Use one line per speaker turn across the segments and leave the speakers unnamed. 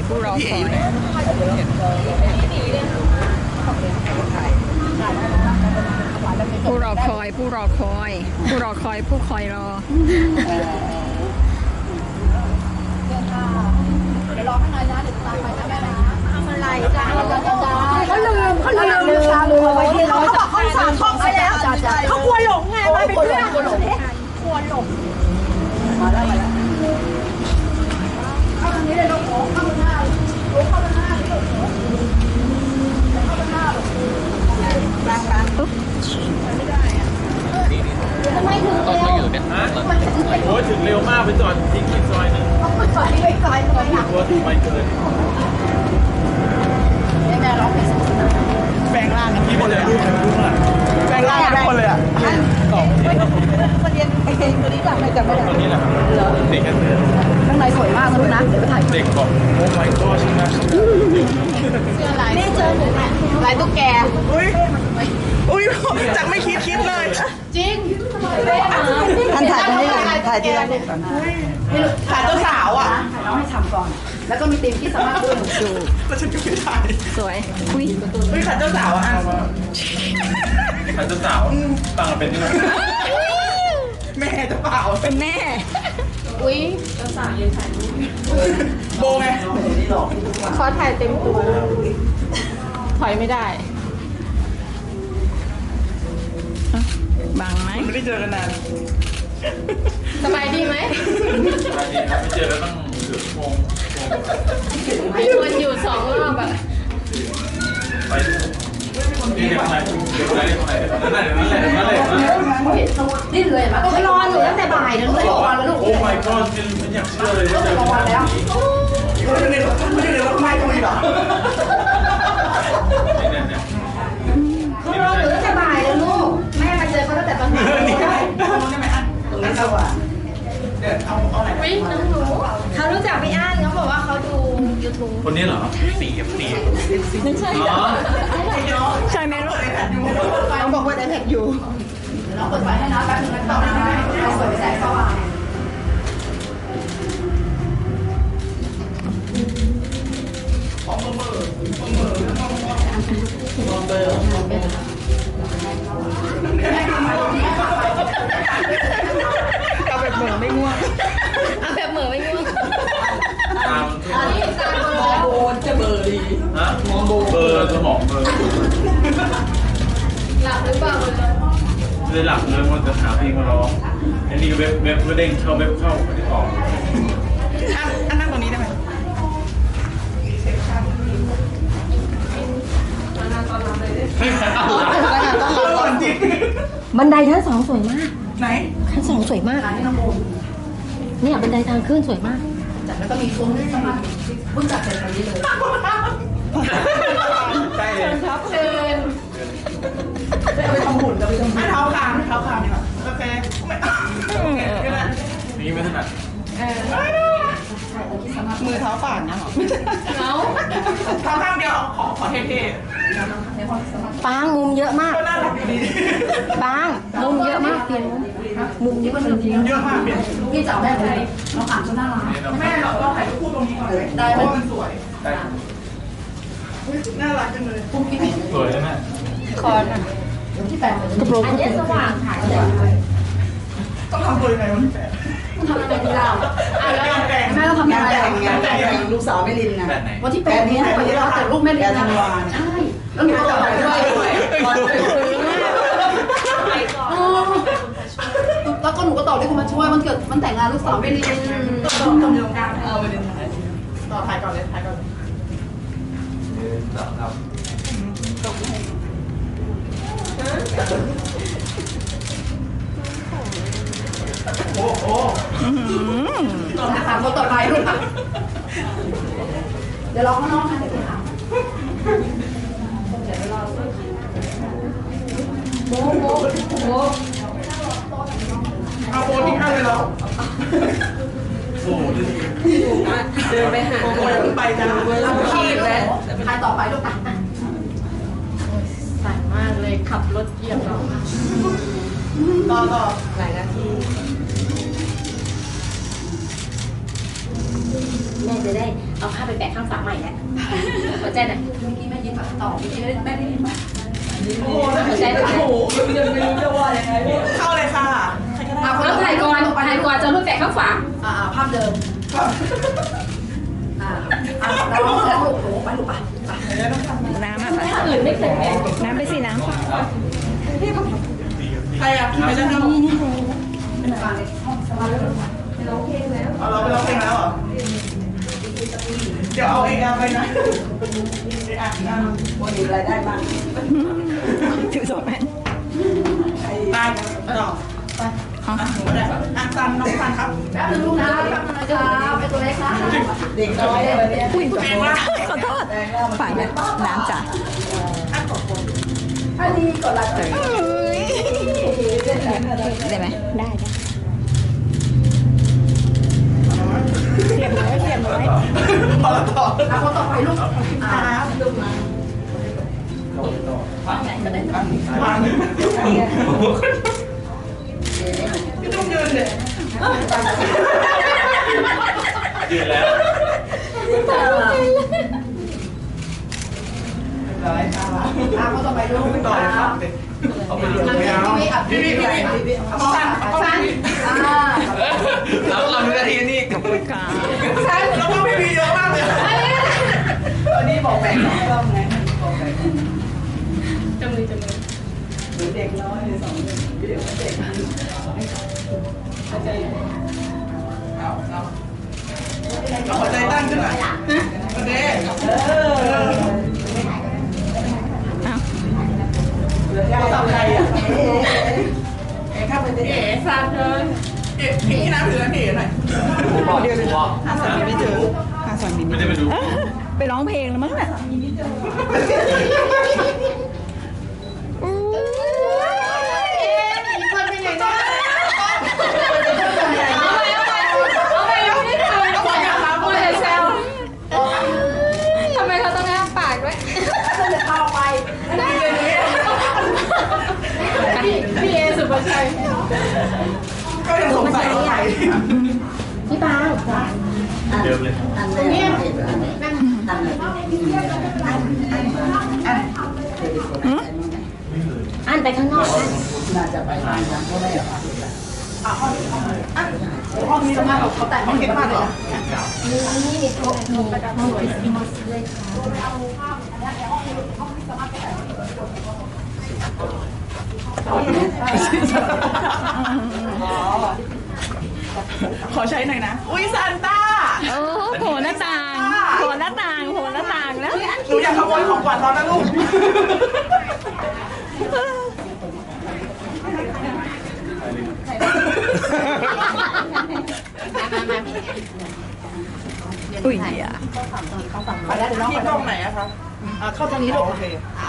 ผู้รอคอยผู้รอคอยผู้รอคอยผู้รอคอยผู้คอยรอ
เดี๋ยวรอข้างในนะเดี๋ยวตามไปนะแม่นะทำอะไรจ้าเขาลืมเอาไว้ที่รถเขาสั่งท่องไปแล้วเขากลัวหลงไงมาเป็นเพื่อนกลัวหลงมาแล้วเข้าทางนี้เลยลูกเข้าทางหน้าลูกเข้าทางหน้าลูกเข้าทางหน้าลูกกลางปุ๊บไม่ได้อะทำไมถึงเร็ว
โอ้ยถึงเร็วมากไปจอดทิ้งอีกซอยนึง
จอดที่ไปซอยนึงอ่ะ
ตัวถึงไปเกิน
แม่ร้องเพลง
แปลงร่างกันที่หมดเลยแปลงร่างกันทุกคนเลยอ่ะ
ประเด็นเพลงตัวนี้จำไม่ได้
ตัวนี้แหละเด็กกันเลย
ข้างในสวยมากนะลูกนะเดี๋ยวไปถ่าย
เด็กบอกโอ้ my god ชินะ
นี่เจอหนูลายตุ๊กแก
อุ้ยจากไม่คิดเลย
จริง
ท่านถ่ายตรงนี้เลยถ่ายที่ร้านก่อน
ถ่ายเจ้าสาวอ่ะ
ถ่ายน้องให้ทำก่อนแล้วก็มีธีมที่สามารถดู
ดู
แล้วฉันก็ไม่ถ่าย
สวยอุ้ย
ถ่ายเจ้าสาวอ่ะถ่ายเจ้าสาวต่างกันเป็นยังไงแม่จะเปล่า
เป็นแม่
อุ้ยเจ้าสาวยืนถ่ายรูป
โบไง
ขอถ่ายเต็มตัวถอยไม่ได้
บังไหม
ไม่ได้เจอกันนาน
สบายดีไหม
สบายดีครับไม่เจอแล้วตั้งเกือบชั่วโมง
มีคนอยู่2 รอบอะ
ไปนี่เดี๋ยวไหนนั่นแหละ
นี่เลยมาก็รออยู่ตั้งแต่บ่ายนะลูกรอแล้วลูก
โอ้ my god ฉันอยากเชื่อเลยว่าเจอ
รอแล้ว
ไม่ได้เลยว่าไม่ก็มีหรอ
เขารออยู่ตั้งแต่บ่ายแล้วลูกแม่มาเจอเขาตั้งแต่ตอนไหนตรงนั้นสว่าง
เดี๋ยวเอาไหน
วิ่งน้องหนูเขารู้จักพี่อ้านเขาบอกว่าเขาดู YouTube
คนนี้เหรอสี
ไม่ใช่
ใช่ไหมลูก
เขาบอกว่าได้แท็กอยู่เราเปิดไฟให้นะแป๊บนึงนะต่อนะเราเปิดแสงสว่าง
เอาแบบเหมือไม่ง่วง
เอาแบบเหมือไม่ง่วง
อันนี้ตาโบนจะเบอร์ดีฮะมองเบอร์สมองเบอร์
หลับหรือเปล่า
เลยหลับเลยมันจะหาเพลงมาร้องอันนี้เว็บก็เด้งเข้าเว็บเข้าไม่ได้ออก
อันนั่งตรงนี้ได้ไหม
บันไดชั้น2สวยมาก
ไหน
ชั้น2สวยมากเนี่ยบันไดทางขึ้นสวยมากจัดแล้วก็มีซุ้มสมาธิเพิ่งจัดเสร็จตอนนี้เลย
ใช่เลย
ครับเชิญ
ไปทำหุ่นจะไปทำไม่เท้าคางดีกว่าโอเคนี่ไม่ถนัด
มือเท้าป่านนะหรอ
เอา
เท้าข้างเดียวขอเท่
ปางมุมเยอะมาก
ๆก็น่ารักดี
ปางมุมเยอะมากเปลี่ยนมุมเยอะมาก
เยอะมากเปลี่ยน
พี่จับได้เลยเราผ่านจนหน้าร้าน
แม่เราถ่ายรูปคู่ตรงนี้ก่อนเลยได้เพราะมันสวยน่ารักจังเลยสวยใช่ไหม
คอนที่แปดกระโปรงอันนี้สว่างถ่ายเลย
ต้องทำตัวยังไงวันที่8
ทำอะไรที่เราแม่เราทำอะไร
แต่งลูกสาวไม่ลินนะ
วันที่8นี้วันที่เราแต่ลูกแม่ลินธันวาใช่แล้วหนูก็ต่อด้วยแล้วก็หนูก็ต่อด้วยคนมาช่วยมันเกิดมันแต่งงานลูกสาวไม่ลิน
ตรงกลางเอาไปเดินถ่ายต่อถ่ายก่อนเลยครับโอ้โห
ต่อนะคะคนต่อไปลูกเดี๋ยวรอข้างนอกนะเดี๋ยวไปถามโบ
เอาโบทิ้งให้เลยเหรอโอ้
เดินไปหา
ไปจ้า
ขีดแล้วใครต่อไปลูกตักสั่นมากเลยขับรถเหยียบเรา
ต่อ
หลายนาที
แม่จะได้เอาผ้าไปแปะข้างฝาใหม่แล้วหัวใจหน่อยเมื่อกี้แม่ยิ้มต่อเมื่อกี้แม่ได้ยินปะ
โอ้โหหัวใจโอ้โหยังไม่รู้จะว่ายังไงเข้าเลยค่ะใครก็ได้
เอาถ่ายก่อนจะรูปแปะข้างฝา
ภาพเดิมแล้วลูกโอ้ไปลูกไป
น้ำอ่ะไป
อื่นไม่เคยแปะ
น้ำไปสิน้ำ
ใครอ่ะใครจะทำเอาเราไปร้องเพลงแล้วเหรอเดี๋ยวเอาARไปนะวันนี้รายได้บ้าง
ถือสองอัน
ได้ต่อไปหนูก็ได้ซันน้องซันครับ
แป๊บนึงลูกนะแป๊บนึงนะครับไอตัวเล็กนะ
เด็กน้อยเลยเนี่ย
อุ้ยขอโทษฝ่ายน้ำจ้ะ
อันนี้กดไลค์
ได้ไหมได้เสียบไว้เสียบไว้
พอแล้วต่อคนต่อไปลูกลูกมาไม่ต้องยืนเลย
ยืนแล้ว
คนต่อไปลูกต่อเลยครับพี่สั้นเราดูนาทีนี่
ขอบคุณค่ะ
สั้นแล้วก็พี่เยอะมากเลยวันนี้บอกแบ่งรอบไงบอกแบ่งจำเลยเด็กน้อยสองเด็กเด็กหัวใจตั้งขึ้นหน่อยโอเคทำอะไรอ่ะข้าไปเจ๊ซานเลยพี่น้ำถือพี่หน่อยเดี๋ยวหาสามีไม่เจอหาสามี
ไม่ได้ไปดู
ไปร้องเพลงแล้วมั้งเนี่ย
คนเป็นอย่างนี้เอาไปไม่ได้ทำเลยแซวทำไมเขาต้องแอบปากด้วย
เข้าไป
พี่เอสุภาชัย
ก็ยังสงสัยว่าใคร
พี่ปา
เดิมเลย
เนี่ยอันไปข้างนอก
ห้องนี้จะมาเขาแต่งห้องเก็บผ้าเหรอ
นี่ครบมีห้องเลยค่ะ
ขอใช้หน่อยนะอุ้ยซานต้า
โอ้โผล่หน้าต่างโผล่หน้าต่างโผล่หน้าต่างแล้ว
หนูอยากขโมยของขวัญตอนนั้นลูก
อุ้ยอ่ะ
ไปแล้วเดี๋ยวน้องที่กล้องไหนอะคะเข้าตรงนี้ลูกโอเค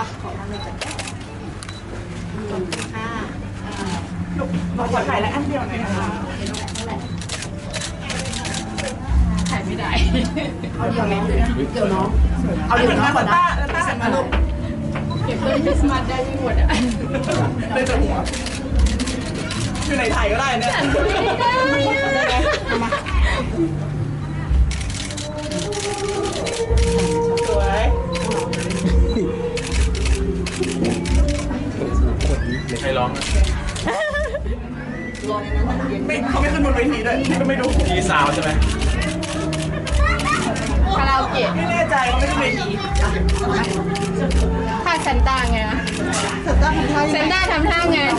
ลูกเราขอถ่ายแล้วอันเดียวหน่อยนะคะ
ถ่ายไม่ได้
เอาเดียวน้องเดี๋ยวน้องเอาเดี๋ยวน้องก่อนนะต้ามาลูก
เก็บต้นคริสต์มาสได้ไม่หมดอ่ะ
เลยจะหัวอยู่ไหนถ่ายก็ได้เนี่ยสวย
ใครร้องนะ
ไม่เขาไม่ขึ้นบนเวทีด้วยก็ไม่ดู
ทีสาวใช่ไหม
คาราโอเกะ
ไม่แน่ใจเขาไม่ขึ้นเวที
ท่าเซนต้าไงเซนต้าทำท่าไง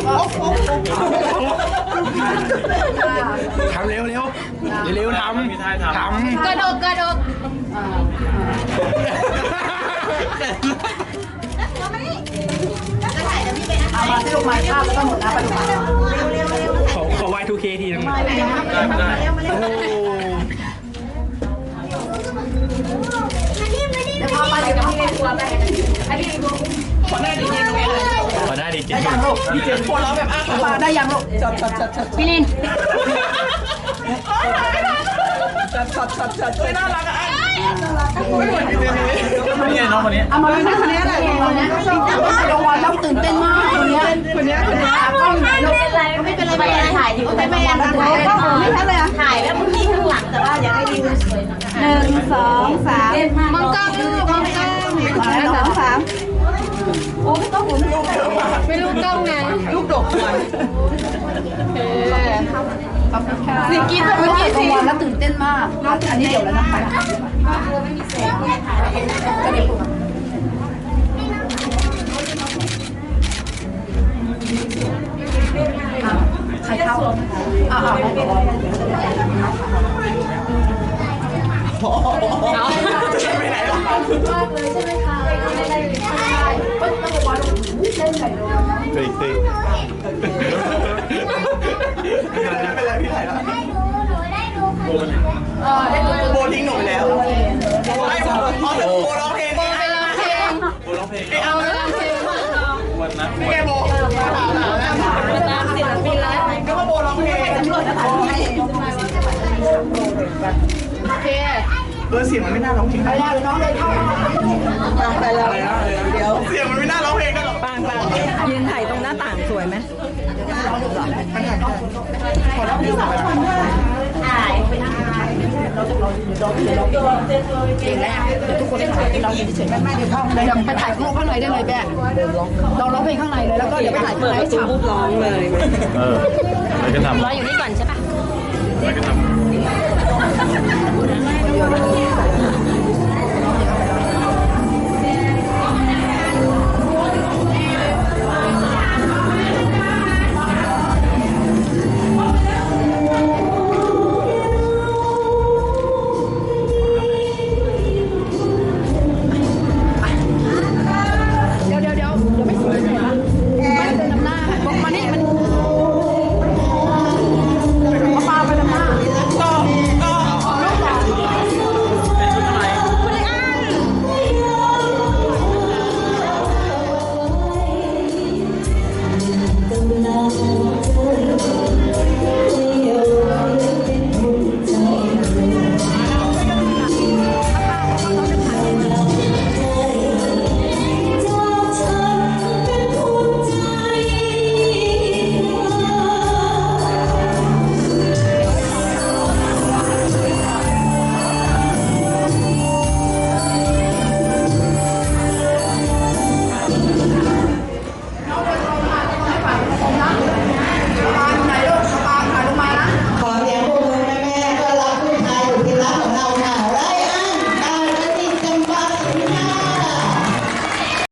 ทำเร็วเร็วเร็วทำมีท่าทำ
กระดกกระดก
เอามาที่ลงมาภาพแล้วก็หมดนะไปดูมา
ขอ Y2K ทีนึงได้ไม่ได้โอ้
แล้วพอไปกับพี่เล่นตัวไปอันนี้
ขอได้ดีเจตรงนี้เลย
ขอได้ดิจิ
ได้ยังลูกดีเจหัวเราะแบบอ้าปากได้ยังลูกจัด
พี่ลิน
จัดน่ารักอ่ะไม่เหมือนดีเจนี้
นี่ไงน้องคนนี้
เอามาเป็นคนนี้แหละคนนี้รางวัลแล้วตื่นเต้นมากคนนี้ก็ไม่เป็นไรไม่เป็นไรถ่ายดิไม่เป็นไรก็ไม่ใช่เลยถ่ายแล้วมึงนี่ข้างหลังแต่ว่าอยากให้วิวสวย1 2 3มองกล้องลูกมองกล้อง1 2 3โอ้ไม่ต้องหมุนลูก
ไม่รู้กล้องไง
ลูกดกเลยขอบคุณค่ะสิกินเมื่อกี้รางวัลแล้วตื่นเต้นมากอันนี้เดี๋ยวแล้วนะคะใครเข้าไม่เป็นไรไปไหนหรอมากเลยใช่ไหมคะไม่ได้ต้องบอกว่าเล่นใหญ่เลย
เคยไม่เป็นไรพี่ถ่ายแล้วโบทิ้งหนูไปแล้วไม่โบร้องเพลงโบไปร้องเพลงโบร้องเพลงเอาแล้ววันนั้นไม่แกโบตามศิลปินแล้วก็ว่าโบร้องเพลงโอเคเสียงมันไม่น่าร้องเพลงได้น้องเลยเข้าไปแล้วเดี๋ยวเสียงมันไม่น่าร้องเพลงได้หรอกปัง
ยืนถ่ายตรงหน้าต่างสวยไหม
มันถ่ายขอรับผิดชอบ
เก่งแล้วเดี๋ยวทุกคนได้ถ่ายที่เราเฉยๆแม่เดี๋ยวเข้าเดี๋ยวไปถ่ายข้างในได้เลยแม่เราร้องเพลงข้างในเลยแล้วก็เดี๋ยวไปถ่ายข้างในฉ่ำร้องเลย
อะไรก็ทำ
รออยู่นี่ก่อนใช่ปะ
อะไรก็ทำ